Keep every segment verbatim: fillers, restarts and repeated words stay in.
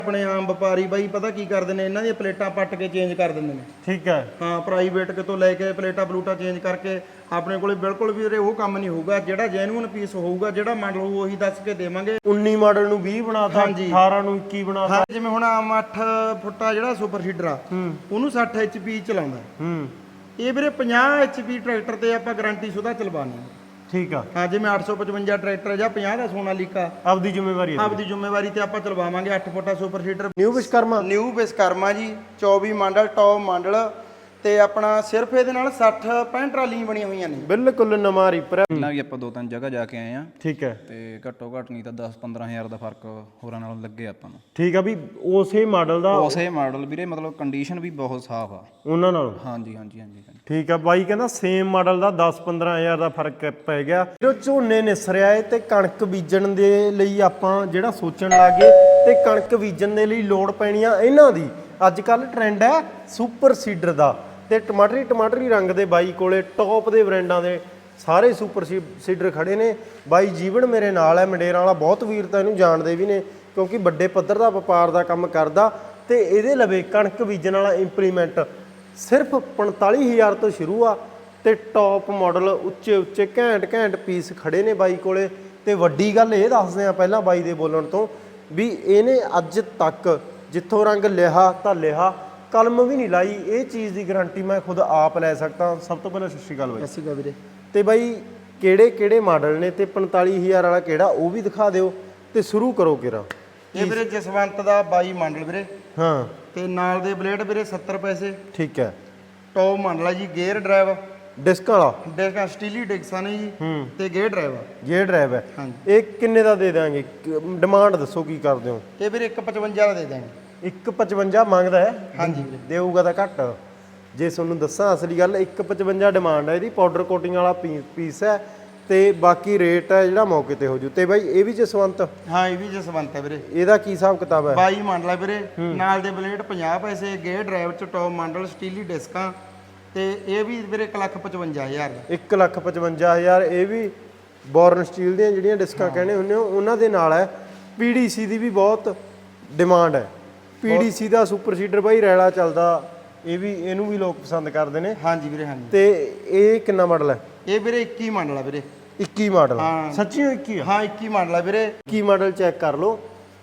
ਆਪਣੇ ਆਮ ਵਪਾਰੀ ਬਾਈ ਪਤਾ ਕੀ ਕਰਦੇ ਨੇ, ਇਹਨਾਂ ਦੀਆਂ ਪਲੇਟਾਂ ਪੱਟ ਕੇ ਚੇਂਜ ਕਰ ਦਿੰਦੇ ਨੇ। ਠੀਕ ਹੈ। ਹਾਂ, ਪ੍ਰਾਈਵੇਟ ਕਿਤੋਂ ਲੈ ਕੇ ਪਲੇਟਾਂ ਪਲੂਟਾਂ ਚੇਂਜ ਕਰਕੇ ਆਪਣੇ ਕੋਲੇ ਬਿਲਕੁਲ ਵੀ ਉਹ ਕੰਮ ਨਹੀਂ ਹੋਊਗਾ। ਜਿਹੜਾ ਜੈਨੂਅਨ ਪੀਸ ਹੋਊਗਾ, ਜਿਹੜਾ ਮਾਡਲ ਹੋਊ ਉਹੀ ਦੱਸ ਕੇ ਦੇਵਾਂਗੇ। ਉੱਨੀ ਮਾਡਲ ਨੂੰ ਵੀਹ ਬਣਾਤਾ, ਅਠਾਰਾਂ ਨੂੰ ਇੱਕੀ ਬਣਾਤਾ। ਹਾਂ, ਜਿਵੇਂ ਹੁਣ ਆਮ ਅੱਠ ਫੁੱਟਾ ਜਿਹੜਾ ਸੁਪਰ ਸੀਡਰ ਆ ਉਹਨੂੰ ਸੱਠ ਐਚ ਪੀ ਚਲਾਉਂਦਾ। ਹੂੰ, ਇਹ ਵੀਰੇ ਪੰਜਾਹ ਐਚ ਪੀ ਟਰੈਕਟਰ ਤੇ ਆਪਾਂ ਗਾਰੰਟੀ ਸੁਦਾ ਚਲਵਾਣੀ। ਠੀਕ ਆ। ਹਾਂ, ਜਿਵੇਂ ਅੱਠ ਸੌ ਪਚਵੰਜਾ ਟਰੈਕਟਰ ਜਾਂ ਪੰਜਾਹ ਦਾ ਸੋਨਾਲੀਕਾ ਆਪਦੀ ਜ਼ਿੰਮੇਵਾਰੀ ਹੈ, ਆਪਦੀ ਜ਼ਿੰਮੇਵਾਰੀ ਤੇ ਆਪਾਂ ਚਲਵਾਵਾਂਗੇ। ਅੱਠ ਫੁੱਟਾ super seeder new Vishwakarma new Vishwakarma ji, ਚੌਵੀ ਮਾਡਲ ਟੌਪ ਮਾਡਲ ਤੇ ਆਪਣਾ ਸਿਰਫ ਇਹਦੇ ਨਾਲ ਸੱਠ ਪੈਂਹਠ ਟਰਾਲੀਆਂ ਬਣੀਆਂ ਹੋਈਆਂ ਨੇ। ਬਿਲਕੁਲ ਨਵਾਂ ਰੀਪਰ। ਪਹਿਲਾਂ ਵੀ ਆਪਾਂ ਦੋ ਤਿੰਨ ਜਗ੍ਹਾ ਜਾ ਕੇ ਆਏ ਆ। ਠੀਕ ਹੈ। ਤੇ ਘੱਟੋ ਘੱਟ ਨਹੀਂ ਤਾਂ ਦਸ ਪੰਦਰਾਂ ਹਜ਼ਾਰ ਦਾ ਫਰਕ ਹੋਰਾਂ ਨਾਲੋਂ ਲੱਗੇ ਆਪਾਂ ਨੂੰ। ਠੀਕ ਆ ਵੀ ਉਸੇ ਮਾਡਲ ਦਾ ਉਸੇ ਮਾਡਲ ਵੀਰੇ, ਮਤਲਬ ਕੰਡੀਸ਼ਨ ਵੀ ਬਹੁਤ ਸਾਫ਼ ਆ ਉਹਨਾਂ ਨਾਲ। ਹਾਂਜੀ ਹਾਂਜੀ ਹਾਂਜੀ। ਠੀਕ ਆ ਬਾਈ ਕਹਿੰਦਾ ਸੇਮ ਮਾਡਲ ਦਾ ਦਸ ਪੰਦਰਾਂ ਹਜ਼ਾਰ ਦਾ ਫਰਕ ਪੈ ਗਿਆ। ਜੋ ਝੋਨੇ ਨਿਸਰਿਆ ਏ ਤੇ ਕਣਕ ਬੀਜਣ ਦੇ ਲਈ ਆਪਾਂ ਜਿਹੜਾ ਸੋਚਣ ਲੱਗੇ ਤੇ ਕਣਕ ਬੀਜਣ ਦੇ ਲਈ ਲੋੜ ਪੈਣੀ ਆ ਇਹਨਾਂ ਦੀ। ਅੱਜ ਕੱਲ ਟ੍ਰੈਂਡ ਹੈ ਸੁਪਰ ਸੀਡਰ ਦਾ ਤੇ ਟਮਾਟਰੀ ਟਮਾਟਰੀ ਰੰਗ ਦੇ ਬਾਈ ਕੋਲੇ ਟੌਪ ਦੇ ਬ੍ਰਾਂਡਾਂ ਦੇ ਸਾਰੇ ਸੁਪਰ ਸੀਡਰ ਖੜੇ ਨੇ। ਬਾਈ ਜੀਵਨ ਮੇਰੇ ਨਾਲ ਹੈ, ਮੰਡੇਰਾਂ ਵਾਲਾ। ਬਹੁਤ ਵੀਰ ਤਾਂ ਇਹਨੂੰ ਜਾਣਦੇ ਵੀ ਨੇ ਕਿਉਂਕਿ ਵੱਡੇ ਪੱਧਰ ਦਾ ਵਪਾਰ ਦਾ ਕੰਮ ਕਰਦਾ ਤੇ ਇਹਦੇ ਲਵੇ ਕਣਕ ਬੀਜਣ ਵਾਲਾ ਇੰਪਲੀਮੈਂਟ ਸਿਰਫ ਪੰਤਾਲੀ ਹਜ਼ਾਰ ਤੋਂ ਸ਼ੁਰੂ ਆ ਤੇ ਟੌਪ ਮਾਡਲ ਉੱਚੇ ਉੱਚੇ ਘੈਂਟ ਘੈਂਟ ਪੀਸ ਖੜੇ ਨੇ ਬਾਈ ਕੋਲੇ। ਤੇ ਵੱਡੀ ਗੱਲ ਇਹ ਦੱਸਦੇ ਆ ਪਹਿਲਾਂ ਬਾਈ ਦੇ ਬੋਲਣ ਤੋਂ ਵੀ ਇਹਨੇ ਅੱਜ ਤੱਕ ਜਿੱਥੋਂ ਰੰਗ ਲਿਆ ਤਾਂ ਲਿਆ, ਕਲਮ ਵੀ ਨਹੀਂ ਲਾਈ। ਇਹ ਚੀਜ਼ ਦੀ ਗਾਰੰਟੀ ਮੈਂ ਖੁਦ ਆਪ ਲੈ ਸਕਦਾ। ਸਭ ਤੋਂ ਪਹਿਲਾਂ ਸਤਿ ਸ਼੍ਰੀ ਅਕਾਲ ਬਾਈ। ਸਤਿ ਸ਼੍ਰੀ ਅਕਾਲ ਵੀਰੇ। ਤੇ ਬਾਈ ਕਿਹੜੇ ਕਿਹੜੇ ਮਾਡਲ ਨੇ ਤੇ ਪੰਤਾਲੀ ਹਜ਼ਾਰ ਵਾਲਾ ਕਿਹੜਾ ਉਹ ਵੀ ਦਿਖਾ ਦਿਓ ਤੇ ਸ਼ੁਰੂ ਕਰੋ ਕਿਰਾ। ਇਹ ਵੀਰੇ ਜਸਵੰਤ ਦਾ ਬਾਈ ਮਾਡਲ ਵੀਰੇ। ਹਾਂ, ਤੇ ਨਾਲ ਦੇ ਬਲੇਡ ਵੀਰੇ ਸੱਤਰ ਪੈਸੇ। ਠੀਕ ਹੈ। ਟੌਪ ਮਾਡਲ ਆ ਜੀ, ਗੇਅਰ ਡਰਾਈਵ ਡਿਸਕ ਵਾਲਾ ਡਿਸਕਾਂ ਸਟੀਲੀ ਡਿਸਕਾਂ ਨੇ ਜੀ ਤੇ ਗੇਅਰ ਡਰਾਈਵ ਆ। ਗੇਅਰ ਡਰਾਈਵ ਹੈ। ਹਾਂਜੀ। ਇਹ ਕਿੰਨੇ ਦਾ ਦੇ ਦਾਂਗੇ? ਡਿਮਾਂਡ ਦੱਸੋ ਕੀ ਕਰਦੇ ਹੋ? ਇਹ ਵੀਰੇ ਇੱਕ ਪਚਵੰਜਾ ਦਾ ਦੇ ਦਾਂਗੇ। ਇੱਕ ਪਚਵੰਜਾ ਮੰਗਦਾ ਹੈ? ਹਾਂਜੀ ਵੀਰੇ। ਦੇਊਗਾ ਤਾਂ ਘੱਟ। ਜੇ ਤੁਹਾਨੂੰ ਦੱਸਾਂ ਅਸਲੀ ਗੱਲ, ਇੱਕ ਪਚਵੰਜਾ ਡਿਮਾਂਡ ਹੈ ਇਹਦੀ। ਪਾਊਡਰ ਕੋਟਿੰਗ ਵਾਲਾ ਪੀਸ ਹੈ ਤੇ ਬਾਕੀ ਰੇਟ ਹੈ ਜਿਹੜਾ ਮੌਕੇ ਤੇ ਹੋ ਜੂ। ਤੇ ਬਾਈ ਇਹ ਵੀ ਜਸਵੰਤ? ਹਾਂ, ਇਹ ਵੀ ਜਸਵੰਤ ਹੈ ਵੀਰੇ। ਇਹਦਾ ਕੀ ਹਿਸਾਬ ਕਿਤਾਬ ਹੈ? ਬਾਈ ਮਾਡਲ ਹੈ ਵੀਰੇ। ਨਾਲ ਦੇ ਬਲੇਡ ਪੰਜਾਹ ਪੈਸੇ, ਗੇਅਰ ਡਰਾਈਵ ਚ ਟੌਪ ਮਾਡਲ ਸਟੀਲੀ ਡਿਸਕਾਂ ਤੇ ਇਹ ਵੀ ਵੀਰੇ ਇੱਕ ਲੱਖ ਪਚਵੰਜਾ ਹਜ਼ਾਰ ਦਾ। ਇੱਕ ਲੱਖ ਪਚਵੰਜਾ ਹਜ਼ਾਰ। ਇਹ ਵੀ ਬੋਰਨ ਸਟੀਲ ਦੀਆਂ ਜਿਹੜੀਆਂ ਡਿਸਕਾਂ ਕਹਿੰਦੇ ਹੁੰਦੇ ਹੋ ਉਹਨਾਂ ਦੇ ਨਾਲ ਹੈ। ਪੀਡੀਸੀ ਦੀ ਵੀ ਬਹੁਤ ਡਿਮਾਂਡ ਹੈ। ਪੀਡੀਸੀ ਦਾ ਸੁਪਰ ਸੀਡਰ ਬਾਈ ਰੈਲਾ ਚੱਲਦਾ, ਇਹ ਵੀ ਇਹਨੂੰ ਵੀ ਲੋਕ ਪਸੰਦ ਕਰਦੇ ਨੇ। ਹਾਂਜੀ ਵੀਰੇ। ਹਾਂਜੀ। ਤੇ ਇਹ ਕਿੰਨਾ ਮਾਡਲ ਹੈ? ਇਹ ਵੀਰੇ ਇੱਕੀ ਮਾਡਲ ਆ ਵੀਰੇ। ਇੱਕੀ ਮਾਡਲ? ਹਾਂ। ਸੱਚੀ ਇੱਕੀ ਆ? ਹਾਂ, ਇੱਕੀ ਮਾਡਲ ਆ ਵੀਰੇ। ਇੱਕੀ ਮਾਡਲ ਚੈੱਕ ਕਰ ਲਓ।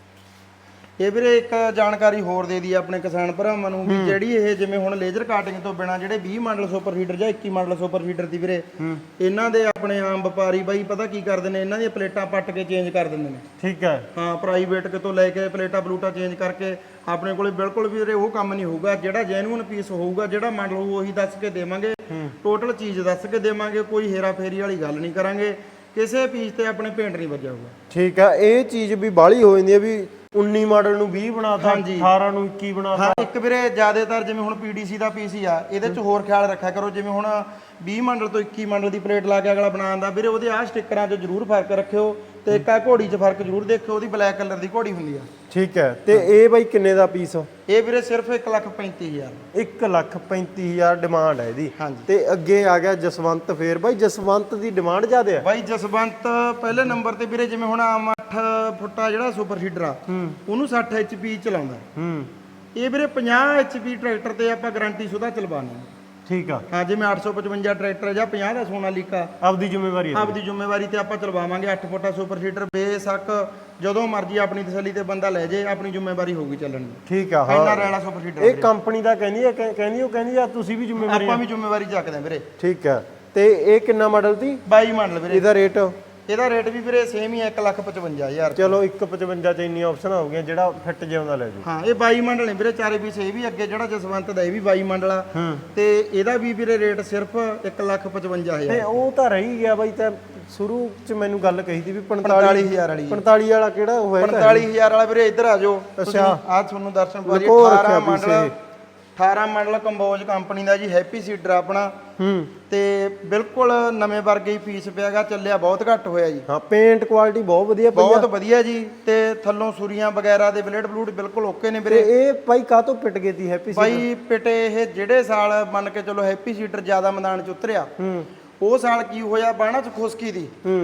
ਇਹ ਵੀਰੇ ਇੱਕ ਜਾਣਕਾਰੀ ਹੋਰ ਦੇ ਦੀ ਆਪਣੇ ਕਿਸਾਨ ਭਰਾਵਾਂ ਨੂੰ ਵੀ ਜਿਹੜੀ ਇਹ ਜਿਵੇਂ ਹੁਣ ਲੇਜ਼ਰ ਕਾਟਿੰਗ ਤੋਂ ਬਿਨਾ ਜਿਹੜੇ ਵੀਹ ਮਾਡਲ ਸੁਪਰ ਸੀਡਰ ਜਾਂ ਇੱਕੀ ਮਾਡਲ ਸੁਪਰ ਸੀਡਰ ਦੀ ਵੀਰੇ, ਇਹਨਾਂ ਦੇ ਆਪਣੇ ਆਮ ਵਪਾਰੀ ਬਾਈ ਪਤਾ ਕੀ ਕਰਦੇ ਨੇ, ਇਹਨਾਂ ਦੀਆਂ ਪਲੇਟਾਂ ਪੱਟ ਕੇ ਚੇਂਜ ਕਰ ਦਿੰਦੇ ਨੇ। ਠੀਕ ਹੈ। ਹਾਂ, ਪ੍ਰਾਈਵੇਟ ਕਿਤੋਂ ਲੈ ਕੇ ਪਲੇਟਾਂ ਪਲੂਟਾਂ ਚੇਂਜ ਕਰਕੇ ਆਪਣੇ ਕੋਲੇ ਬਿਲਕੁਲ ਵੀ ਵੀਰੇ ਉਹ ਕੰਮ ਨਹੀਂ ਹੋਊਗਾ। ਜਿਹੜਾ ਜੈਨੂਅਨ ਪੀਸ ਹੋਊਗਾ, ਜਿਹੜਾ ਮਾਡਲ ਹੋਊ ਉਹੀ ਦੱਸ ਕੇ ਦੇਵਾਂਗੇ। ਟੋਟਲ ਚੀਜ਼ ਦੱਸ ਕੇ ਦੇਵਾਂਗੇ। ਕੋਈ ਹੇਰਾ ਫੇਰੀ ਵਾਲੀ ਗੱਲ ਨਹੀਂ ਕਰਾਂਗੇ। ਕਿਸੇ ਪੀਸ ਤੇ ਆਪਣੇ ਪੇਂਟ ਨਹੀਂ ਵੱਜਿਆ ਹੋਊਗਾ। ਠੀਕ ਹੈ। ਇਹ ਚੀਜ਼ ਵੀ ਬਾਹਲੀ ਹੋ ਜਾਂਦੀ ਹੈ ਵੀ ਉੱਨੀ ਮਾਡਲ ਨੂੰ ਵੀਹ ਬਣਾਤਾ, ਅਠਾਰਾਂ ਨੂੰ ਇੱਕੀ ਬਣਾਤਾ। ਹਾਂ, ਇੱਕ ਵੀਰੇ ਜ਼ਿਆਦਾਤਰ ਜਿਵੇਂ ਹੁਣ ਪੀਡੀਸੀ ਦਾ ਪੀਸ ਹੀ ਆ, ਇਹਦੇ 'ਚ ਹੋਰ ਖਿਆਲ ਰੱਖਿਆ ਕਰੋ। ਜਿਵੇਂ ਹੁਣ ਵੀਹ ਮਾਡਲ ਤੋਂ ਇੱਕੀ ਮਾਡਲ ਦੀ ਪਲੇਟ ਲਾ ਕੇ ਅਗਲਾ ਬਣਾਉਂਦਾ ਵੀਰੇ, ਉਹਦੇ ਆਹ ਸਟਿੱਕਰਾਂ 'ਚ ਜ਼ਰੂਰ ਫਰਕ ਰੱਖਿਓ ਤੇ ਇੱਕ ਆ ਘੋੜੀ 'ਚ ਫਰਕ ਜ਼ਰੂਰ ਦੇਖਿਓ। ਉਹਦੀ ਬਲੈਕ ਕਲਰ ਦੀ ਘੋੜੀ ਹੁੰਦੀ ਆ। ਠੀਕ ਹੈ। ਤੇ ਇਹ ਬਾਈ ਕਿੰਨੇ ਦਾ ਪੀਸ? ਇਹ ਵੀਰੇ ਸਿਰਫ ਇੱਕ ਲੱਖ ਪੈਂਤੀ ਹਜ਼ਾਰ। ਇੱਕ ਲੱਖ ਪੈਂਤੀ ਹਜ਼ਾਰ ਡਿਮਾਂਡ ਹੈ ਇਹਦੀ। ਹਾਂਜੀ। ਤੇ ਅੱਗੇ ਆ ਗਿਆ ਜਸਵੰਤ। ਫੇਰ ਬਾਈ ਜਸਵੰਤ ਦੀ ਡਿਮਾਂਡ ਜ਼ਿਆਦਾ ਹੈ? ਬਾਈ ਜਸਵੰਤ ਪਹਿਲੇ ਨੰਬਰ ਤੇ ਵੀਰੇ, ਜਿਵੇਂ ਹੁਣ ਆਮ ਅੱਠ ਫੁੱਟਾ ਜਿਹੜਾ ਸੁਪਰ ਸੀਡਰ ਆ ਉਹਨੂੰ ਸੱਠ ਐਚ ਪੀ ਚਲਾਉਂਦਾ। ਹੂੰ। ਇਹ ਵੀਰੇ ਪੰਜਾਹ ਐਚ ਪੀ ਟਰੈਕਟਰ ਤੇ ਆਪਾਂ ਗਾਰੰਟੀ ਸੁਦਾ ਚਲਵਾਣੀ। ਠੀਕ ਆ। ਹਾਂ, ਜਿਵੇਂ ਅੱਠ ਸੌ ਪਚਵੰਜਾ ਟਰੈਕਟਰ ਜਾਂ ਪੰਜਾਹ ਦਾ ਸੋਨਾਲੀਕਾ ਆਪਦੀ ਜ਼ਿੰਮੇਵਾਰੀ ਹੈ? ਆਪਦੀ ਜ਼ਿੰਮੇਵਾਰੀ ਤੇ ਆਪਾਂ ਚਲਵਾਵਾਂਗੇ। ਅੱਠ ਫੁੱਟਾ ਸੁਪਰ ਸੀਡਰ ਬੇਸ਼ੱਕ ਜਦੋਂ ਮਰਜ਼ੀ ਆਪਣੀ ਤਸੱਲੀ ਤੇ ਬੰਦਾ ਲੈ ਜੇ, ਆਪਣੀ ਜ਼ਿੰਮੇਵਾਰੀ ਹੋਊਗੀ ਚੱਲਣ ਦੀ। ਠੀਕ ਆ। ਇੰਨਾ ਰੈਲਾ ਸੁਪਰ ਸੀਡਰ ਇਹ ਕੰਪਨੀ ਦਾ ਕਹਿੰਦੀ ਹੈ, ਕਹਿੰਦੀ ਉਹ ਕਹਿੰਦੀ ਆ ਤੁਸੀਂ ਵੀ ਜ਼ਿੰਮੇਵਾਰੀ? ਆਪਾਂ ਵੀ ਜ਼ਿੰਮੇਵਾਰੀ ਚੱਕਦੇ ਆ ਵੀਰੇ। ਠੀਕ ਹੈ। ਤੇ ਇਹ ਕਿੰਨਾ ਮਾਡਲ ਦੀ? ਬਾਈ ਮਾਡਲ ਵੀਰੇ। ਇਹਦਾ ਰੇਟ? ਇਹਦਾ ਰੇਟ ਵੀ ਵੀਰੇ ਸੇਮ ਹੀ ਹੈ, ਇੱਕ ਲੱਖ ਪਚਵੰਜਾ ਹਜ਼ਾਰ। ਚਲੋ ਇੱਕ ਪਚਵੰਜਾ ਚ ਇੰਨੀਆਂ ਆਪਸ਼ਨਾਂ ਹੋ ਗਈਆਂ, ਜਿਹੜਾ ਫਿੱਟ ਜਿਉਂਦਾ ਲੈ ਜੂ। ਹਾਂ, ਇਹ ਬਾਈ ਮਾਡਲ ਨੇ ਵੀਰੇ ਚਾਰੇ ਪੀਸ। ਇਹ ਵੀ ਅੱਗੇ ਜਿਹੜਾ ਜਸਵੰਤ ਦਾ ਇਹ ਵੀ ਬਾਈ ਮਾਡਲ ਆ ਤੇ ਇਹਦਾ ਵੀ ਵੀਰੇ ਰੇਟ ਸਿਰਫ ਇੱਕ ਲੱਖ ਪਚਵੰਜਾ ਹਜ਼ਾਰ। ਤੇ ਉਹ ਤਾਂ ਰਹੀ ਗਿਆ ਬਾਈ। ਤਾਂ ਸ਼ੁਰੂ ਚ ਮੈਨੂੰ ਗੱਲ ਕਹੀ ਸੀ ਵੀ ਪੰਤਾਲੀ ਹਜ਼ਾਰ ਵਾਲੀ। ਪੰਤਾਲੀ ਵਾਲਾ ਕਿਹੜਾ ਹੋਇਆ? ਪੰਤਾਲੀ ਹਜ਼ਾਰ ਵਾਲਾ ਵੀਰੇ ਇੱਧਰ ਆ ਜਾਓ। ਅੱਛਾ, ਆਹ ਤੁਹਾਨੂੰ ਦਰਸ਼ਨ ਪਾਜੀ। ਅਠਾਰਾਂ ਮਾਡਲ ਅਠਾਰਾਂ ਮਾਡਲ ਕੰਬੋਜ ਕੰਪਨੀ ਦਾ ਜੀ, ਹੈਪੀ ਸੀਡਰ ਆਪਣਾ। ਹੂੰ। ਤੇ ਬਿਲਕੁਲ ਨਵੇਂ ਵਰਗੇ ਹੀ ਪੀਸ ਪਿਆਗਾ, ਚੱਲਿਆ ਬਹੁਤ ਘੱਟ ਹੋਇਆ ਜੀ। ਹਾਂ, ਪੇਂਟ ਕੁਆਲਿਟੀ ਬਹੁਤ ਵਧੀਆ ਪਈ ਆ। ਬਹੁਤ ਵਧੀਆ ਜੀ। ਤੇ ਥੱਲੋਂ ਸੁਰੀਆਂ ਵਗੈਰਾ ਦੇ ਬਲੇਡ ਬਲੂਡ ਬਿਲਕੁਲ ਓਕੇ ਨੇ ਵੀਰੇ। ਇਹ ਭਾਈ ਕਾਹਤੋਂ ਪਿਟ ਗਈ ਤੀ ਹੈਪੀ ਸੀਡਰ? ਭਾਈ ਪਿਟੇ ਇਹ ਜਿਹੜੇ ਸਾਲ ਮੰਨ ਕੇ ਚਲੋ ਹੈਪੀ ਸੀਡਰ ਜ਼ਿਆਦਾ ਮੈਦਾਨ ਚ ਉਤਰਿਆ, ਹੂੰ, ਉਹ ਸਾਲ ਕੀ ਹੋਇਆ, ਬਾਣਾ ਚ ਖੁਸ਼ਕੀ ਦੀ। ਹੂੰ।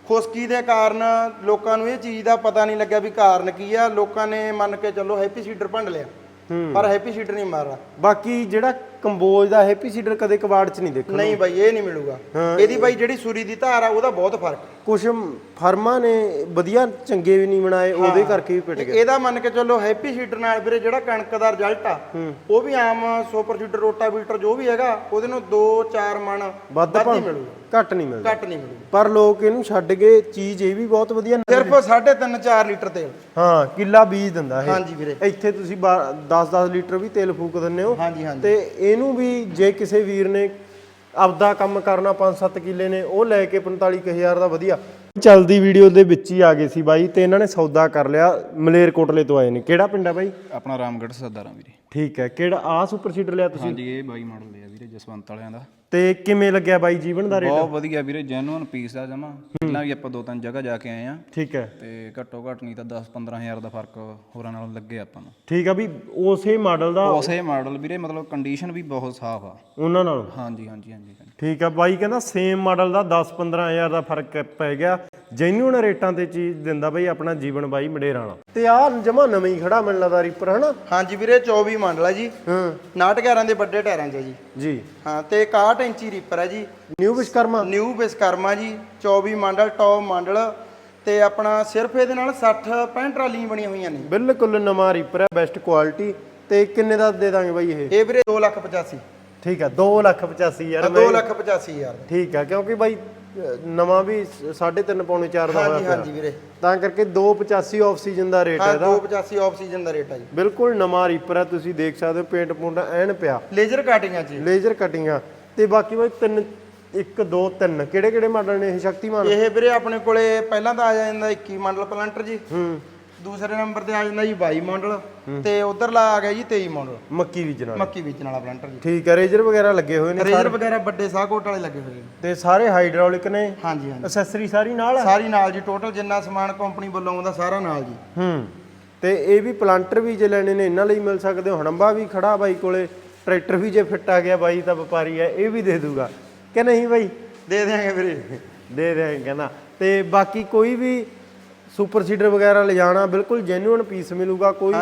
ਖੁਸ਼ਕੀ ਦੇ ਕਾਰਨ ਲੋਕਾਂ ਨੂੰ ਇਹ ਚੀਜ਼ ਦਾ ਪਤਾ ਨਹੀਂ ਲੱਗਿਆ ਵੀ ਕਾਰਨ ਕੀ ਆ। ਲੋਕਾਂ ਨੇ ਮੰਨ ਕੇ ਚੱਲੋ ਹੈਪੀ ਸੀਡਰ ਭੰਡ ਲਿਆ, ਪਰ ਹੈਪੀ ਸੀਡਰ ਨਹੀਂ ਮਾਰਦਾ। ਬਾਕੀ ਜਿਹੜਾ ਕੰਬੋਜ ਦਾ ਹੈਪੀ ਸੀਡਰ ਕਦੇ ਕਬਾੜ ਚ ਨਹੀਂ ਦੇਖੋ। ਨਹੀਂ ਬਾਈ ਇਹ ਨਹੀਂ ਮਿਲੂਗਾ। ਇਹਦੀ ਬਾਈ ਜਿਹੜੀ ਸੂਰੀ ਦੀ ਧਾਰ ਆ ਉਹਦਾ ਬਹੁਤ ਫਰਕ। ਕੁਝ ਫਰਮਾਂ ਨੇ ਵਧੀਆ ਚੰਗੇ ਵੀ ਨਹੀਂ ਬਣਾਏ, ਉਹਦੇ ਕਰਕੇ ਵੀ ਪਿਟ ਗਿਆ। ਇਹਦਾ ਮੰਨ ਕੇ ਚੱਲੋ ਹੈਪੀ ਸੀਡਰ ਨਾਲ ਵੀਰੇ ਜਿਹੜਾ ਕਣਕ ਦਾ ਰਿਜ਼ਲਟ ਆ ਉਹ ਵੀ ਆਮ ਸੁਪਰ ਸੀਡਰ ਰੋਟਾਵੀਟਰ ਜੋ ਵੀ ਹੈਗਾ ਉਹਦੇ ਨੂੰ ਦੋ ਚਾਰ ਮਣ ਵੱਧ ਹੀ ਮਿਲੂਗਾ, ਘੱਟ ਨਹੀਂ ਮਿਲਦਾ। ਘੱਟ ਨਹੀਂ ਮਿਲੂਗਾ। ਪਰ ਲੋਕ ਇਹਨੂੰ ਛੱਡ ਕੇ ਚੀਜ਼ ਇਹ ਵੀ ਬਹੁਤ ਵਧੀਆ ਸਿਰਫ ਸਾਢੇ ਤਿੰਨ ਚਾਰ ਲੀਟਰ ਤੇਲ ਹਾਂ ਕਿੱਲਾ ਬੀਜ ਦਿੰਦਾ ਇਹ। ਹਾਂਜੀ ਵੀਰੇ। ਇੱਥੇ ਤੁਸੀਂ ਦਸ ਦਸ ਲੀਟਰ ਵੀ ਤੇਲ ਫੂਕ ਦਿੰਦੇ ਹੋ। ਹਾਂਜੀ ਹਾਂਜੀ। ਤੇ ਇਹਨੂੰ ਵੀ ਜੇ ਕਿਸੇ ਵੀਰ ਨੇ ਆਪਦਾ ਕੰਮ ਕਰਨਾ ਪੰਜ ਸੱਤ ਕਿੱਲੇ ਨੇ ਉਹ ਲੈ ਕੇ ਪੰਤਾਲੀ ਕੁ ਹਜ਼ਾਰ ਦਾ ਵਧੀਆ ਚੱਲਦੀ ਵੀਡੀਓ ਦੇ ਵਿੱਚ ਹੀ ਆ ਗਏ ਸੀ ਬਾਈ ਤੇ ਇਹਨਾਂ ਨੇ ਸੌਦਾ ਕਰ ਲਿਆ। ਮਲੇਰਕੋਟਲੇ ਤੋਂ ਆਏ ਨੇ। ਕਿਹੜਾ ਪਿੰਡ ਆ ਬਾਈ? ਆਪਣਾ ਰਾਮਗੜ੍ਹ ਸਰਦਾਰਾਂ ਵੀਰੇ। ਠੀਕ ਹੈ। ਕਿਹੜਾ ਆ ਸੁਪਰ ਸੀਡਰ ਲਿਆ ਤੁਸੀਂ? ਹਾਂਜੀ ਇਹ ਬਾਈ ਮਾਡਲ ਲਿਆ ਵੀਰੇ ਜਸਵੰਤ ਵਾਲਿਆਂ ਦਾ। ਤੇ ਕਿਵੇਂ ਲੱਗਿਆ ਬਾਈ ਜੀਵਨ ਦਾ ਰੇਟ? ਬਹੁਤ ਵਧੀਆ ਵੀਰੇ, ਜੈਨੂਅਨ ਪੀਸ ਆ ਜਮਾ। ਪਹਿਲਾਂ ਵੀ ਆਪਾਂ ਦੋ ਤਿੰਨ ਜਗ੍ਹਾ ਜਾ ਕੇ ਆਏ ਆ ਠੀਕ ਹੈ। ਤੇ ਘੱਟੋ ਘੱਟ ਨਹੀਂ ਤਾਂ ਦਸ ਪੰਦਰਾਂ ਹਜ਼ਾਰ ਦਾ ਫਰਕ ਹੋਰਾਂ ਨਾਲੋਂ ਲੱਗੇ ਆਪਾਂ ਨੂੰ। ਠੀਕ ਆ ਵੀ ਉਸੇ ਮਾਡਲ ਦਾ ਉਸੇ ਮਾਡਲ ਵੀਰੇ, ਮਤਲਬ ਕੰਡੀਸ਼ਨ ਵੀ ਬਹੁਤ ਸਾਫ਼ ਆ ਉਹਨਾਂ ਨਾਲ। ਹਾਂਜੀ ਹਾਂਜੀ ਹਾਂਜੀ। ਠੀਕ ਆ ਬਾਈ ਕਹਿੰਦਾ ਸੇਮ ਮਾਡਲ ਦਾ ਦਸ ਪੰਦਰਾਂ ਹਜ਼ਾਰ ਦਾ ਫਰਕ ਪੈ ਗਿਆ। ਜੈਨੂਅਨ ਰੇਟਾਂ ਤੇ ਚੀਜ਼ ਦਿੰਦਾ ਬਾਈ ਆਪਣਾ ਜੀਵਨ ਬਾਈ ਮੰਡੇਰਾਂ ਵਾਲਾ। ਤੇ ਆਹ ਜਮਾ ਨਵਾਂ ਹੀ ਖੜਾ ਮੈਨੂੰ ਲੱਗਦਾ ਰੀਪਰ ਹਨਾ। ਹਾਂਜੀ ਵੀਰੇ ਚੌਵੀ ਮਾਡਲ ਹੈ ਜੀ। ਹਾਂ ਨਾਟ ਗਿਆਰਾਂ ਦੇ ਵੱਡੇ ਟਾਇਰਾਂ 'ਚ ਜੀ। ਜੀ ਹਾਂ ਤੇ ਇਕਾਹਠ ਇੰਚੀ ਰੀਪਰ ਹੈ ਜੀ। New Vishwakarma new Vishwakarma ji. ਚੌਵੀ ਮਾਡਲ ਟੌਪ ਮਾਡਲ ਤੇ ਆਪਣਾ ਸਿਰਫ ਇਹਦੇ ਨਾਲ ਸੱਠ ਪੈਂਹਠ ਟਰਾਲੀਆਂ ਬਣੀਆਂ ਹੋਈਆਂ ਨੇ। ਬਿਲਕੁਲ ਨਵਾਂ ਰੀਪਰ ਹੈ, ਬੈਸਟ ਕੁਆਲਿਟੀ। ਤੇ ਕਿੰਨੇ ਦਾ ਦੇ ਦਾਂਗੇ ਬਾਈ ਇਹ? ਇਹ ਵੀਰੇ ਦੋ ਲੱਖ ਪਚਾਸੀ। ਠੀਕ ਆ ਦੋ ਲੱਖ ਪਚਾਸੀ ਹਜ਼ਾਰ। ਦੋ ਲੱਖ ਪਚਾਸੀ ਹਜ਼ਾਰ। ਠੀਕ ਆ ਕਿਉਂਕਿ ਬਾਈ ਨਵਾਂ ਵੀ ਸਾਢੇ ਤਿੰਨ ਪੌਣੇ ਚਾਰ ਦਾ ਹਾਂਜੀ ਹਾਂਜੀ ਵੀਰੇ। ਤਾਂ ਕਰਕੇ ਦੋ ਪਚਾਸੀ ਆਫ ਸੀਜ਼ਨ ਦਾ ਰੇਟ ਹੈ ਹਾਂ ਇਹਦਾ। ਦੋ ਪਚਾਸੀ ਆਫ ਸੀਜ਼ਨ ਦਾ ਰੇਟ ਹੈ ਜੀ। ਬਿਲਕੁਲ ਨਵਾਂ ਰੀਪਰ ਹੈ, ਤੁਸੀਂ ਦੇਖ ਸਕਦੇ ਹੋ ਪੇਂਟ ਪੁੰਟ ਐਨ ਪਿਆ। ਲੇਜ਼ਰ ਕਟਿੰਗਾਂ 'ਚ ਲੇਜ਼ਰ ਕਟਿੰਗਾਂ। ਤੇ ਬਾਕੀ ਬਾਈ ਤਿੰਨ ਇੱਕ ਦੋ ਤਿੰਨ ਕਿਹੜੇ ਕਿਹੜੇ ਮਾਡਲ ਨੇ ਇਹ ਸ਼ਕਤੀਮਾਨ? ਇਹ ਵੀਰੇ ਆਪਣੇ ਕੋਲੇ ਪਹਿਲਾਂ ਤਾਂ ਆ ਜਾਂਦਾ ਇੱਕੀ ਮਾਡਲ ਪਲੰਟਰ ਜੀ। ਹੂੰ। ਦੂਸਰੇ ਨੰਬਰ ਤੇ ਆ ਜਾਂਦਾ ਜੀ ਬਾਈ ਮਾਡਲ ਤੇ ਉਧਰਲਾ ਆ ਗਿਆ ਜੀ ਤੇਈ ਮਾਡਲ ਮੱਕੀ ਬੀਜਣ ਵਾਲਾ। ਮੱਕੀ ਬੀਜਣ ਵਾਲਾ ਪਲੰਟਰ ਜੀ। ਠੀਕ ਹੈ। ਰੇਜਰ ਵਗੈਰਾ ਲੱਗੇ ਹੋਏ ਨੇ? ਰੇਜ਼ਰ ਵਗੈਰਾ ਵੱਡੇ ਸਾਹਕੋਟ ਵਾਲੇ ਲੱਗੇ ਹੋਏ ਨੇ ਤੇ ਸਾਰੇ ਹਾਈਡ੍ਰੋਲਿਕ ਨੇ? ਹਾਂਜੀ ਹਾਂਜੀ। ਐਕਸੈਸਰੀ ਸਾਰੀ ਨਾਲ ਹੈ? ਸਾਰੀ ਨਾਲ ਜੀ। ਟੋਟਲ ਜਿੰਨਾ ਸਮਾਨ ਕੰਪਨੀ ਵੱਲੋਂ ਆਉਂਦਾ ਸਾਰਾ ਨਾਲ ਜੀ। ਹੂੰ। ਤੇ ਇਹ ਵੀ ਪਲਾਂਟਰ ਵੀ ਜੇ ਲੈਣੇ ਨੇ ਇਹਨਾਂ ਲਈ ਮਿਲ ਸਕਦੇ ਹੋ। ਹੜੰਬਾ ਵੀ ਖੜਾ ਬਾਈ ਕੋਲੇ। ਟਰੈਕਟਰ ਵੀ ਜੇ ਫਿੱਟ ਆ ਗਿਆ ਬਾਈ ਤਾਂ ਵਪਾਰੀ ਹੈ, ਇਹ ਵੀ ਦੇ ਦੂਗਾ ਕਿ ਨਹੀਂ ਬਾਈ? ਦੇ ਦਿਆਂਗੇ ਵੀਰੇ। ਦੇ ਦੇ ਕਹਿੰਦਾ। ਤੇ ਬਾਕੀ ਕੋਈ ਵੀ ਸੁਪਰ ਸੀਡਰ ਵਗੈਰਾ ਲਿਜਾਣਾ ਬਿਲਕੁਲ ਜੈਨੂਅਨ ਪੀਸ ਮਿਲੂਗਾ। ਕੋਈ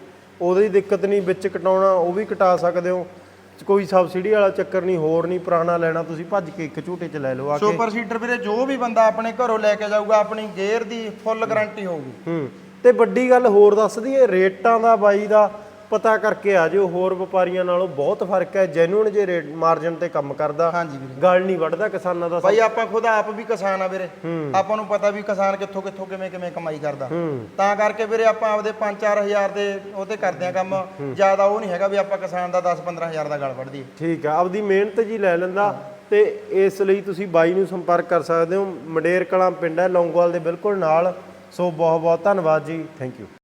ਉਹਦੀ ਦਿੱਕਤ ਨਹੀਂ, ਵਿੱਚ ਕਟਾਉਣਾ ਉਹ ਵੀ ਕਟਾ ਸਕਦੇ ਹੋ। ਕੋਈ ਸਬਸਿਡੀ ਵਾਲਾ ਚੱਕਰ ਨਹੀਂ, ਹੋਰ ਨਹੀਂ ਪੁਰਾਣਾ ਲੈਣਾ ਤੁਸੀਂ ਭੱਜ ਕੇ ਇੱਕ ਝੂਟੇ 'ਚ ਲੈ ਲਓ ਆ ਕੇ। ਸੁਪਰ ਸੀਡਰ ਵੀਰੇ ਜੋ ਵੀ ਬੰਦਾ ਆਪਣੇ ਘਰੋਂ ਲੈ ਕੇ ਜਾਊਗਾ ਆਪਣੀ ਗੇਅਰ ਦੀ ਫੁੱਲ ਗਾਰੰਟੀ ਹੋਊਗੀ। ਹੂੰ। ਤੇ ਵੱਡੀ ਗੱਲ ਹੋਰ ਦੱਸ ਦਈਏ, ਰੇਟਾਂ ਦਾ ਬਾਈ ਦਾ ਪਤਾ ਕਰਕੇ ਆ ਜਿਓ। ਹੋਰ ਵਪਾਰੀਆਂ ਨਾਲੋਂ ਬਹੁਤ ਫਰਕ ਹੈ। ਜੈਨੂਅਨ ਜੇ ਰੇਟ ਮਾਰਜਨ ਤੇ ਕੰਮ ਕਰਦਾ। ਹਾਂਜੀ ਵੀਰੇ। ਗੱਲ ਨਹੀਂ ਵੱਢਦਾ ਕਿਸਾਨਾਂ ਦਾ। ਭਾਈ ਆਪਾਂ ਖੁਦ ਆਪ ਵੀ ਕਿਸਾਨ ਆ ਵੀਰੇ। ਆਪਾਂ ਨੂੰ ਪਤਾ ਵੀ ਕਿਸਾਨ ਕਿੱਥੋਂ ਕਿੱਥੋਂ ਕਿਵੇਂ ਕਿਵੇਂ ਕਮਾਈ ਕਰਦਾ। ਤਾਂ ਕਰਕੇ ਵੀਰੇ ਆਪਾਂ ਆਪਦੇ ਪੰਜ ਚਾਰ ਹਜ਼ਾਰ ਦੇ ਉਹ ਤੇ ਕਰਦੇ ਆ ਕੰਮ। ਜ਼ਿਆਦਾ ਉਹ ਨਹੀਂ ਹੈਗਾ ਵੀ ਆਪਾਂ ਕਿਸਾਨ ਦਾ ਦਸ ਪੰਦਰਾਂ ਹਜ਼ਾਰ ਦਾ ਗਲ ਵੱਢ ਦਈਏ। ਠੀਕ ਆ। ਆਪਦੀ ਮਿਹਨਤ ਜੀ ਲੈ ਲੈਂਦਾ। ਤੇ ਇਸ ਲਈ ਤੁਸੀਂ ਬਾਈ ਨੂੰ ਸੰਪਰਕ ਕਰ ਸਕਦੇ ਹੋ। ਮੰਡੇਰ ਕਲਾਂ ਪਿੰਡ ਹੈ ਲੌਂਗੋਵਾਲ ਦੇ ਬਿਲਕੁਲ ਨਾਲ। ਸੋ ਬਹੁਤ ਬਹੁਤ ਧੰਨਵਾਦ ਜੀ। Thank you.